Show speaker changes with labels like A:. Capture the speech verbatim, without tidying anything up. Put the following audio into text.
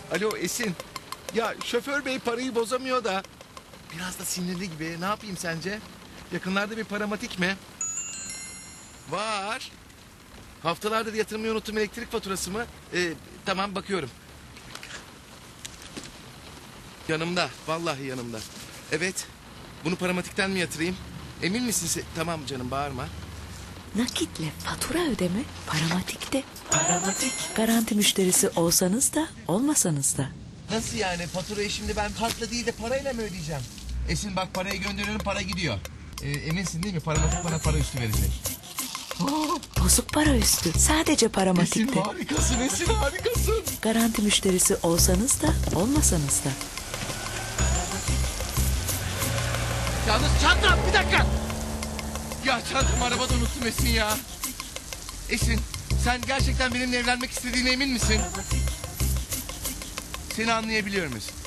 A: Alo Esin. Ya şoför bey parayı bozamıyor da biraz da sinirli gibi. Ne yapayım sence? Yakınlarda bir paramatik mi? Var. Haftalardır yatırmayı unuttum elektrik faturası mı? Ee, tamam bakıyorum. Yanımda. Vallahi yanımda. Evet. Bunu paramatikten mi yatırayım? Emin misin sen? Tamam canım bağırma.
B: Nakitle fatura ödeme paramatikte. Paramatik. Garanti müşterisi olsanız da olmasanız da.
A: Nasıl yani? Faturayı şimdi ben kartla değil de parayla mı ödeyeceğim? Esin bak parayı gönderiyorum para gidiyor. Ee, eminsin değil mi? Paramatik bana para üstü verecek.
B: Bozuk para üstü. Sadece
A: Esin
B: paramatikte.
A: harikasın Esin harikasın.
B: Garanti müşterisi olsanız da olmasanız da.
A: Yalnız çantam bir dakika. Ya çantamı arabada unuttum Esin ya. Esin sen gerçekten benimle evlenmek istediğine emin misin? Seni anlayabiliyor musun?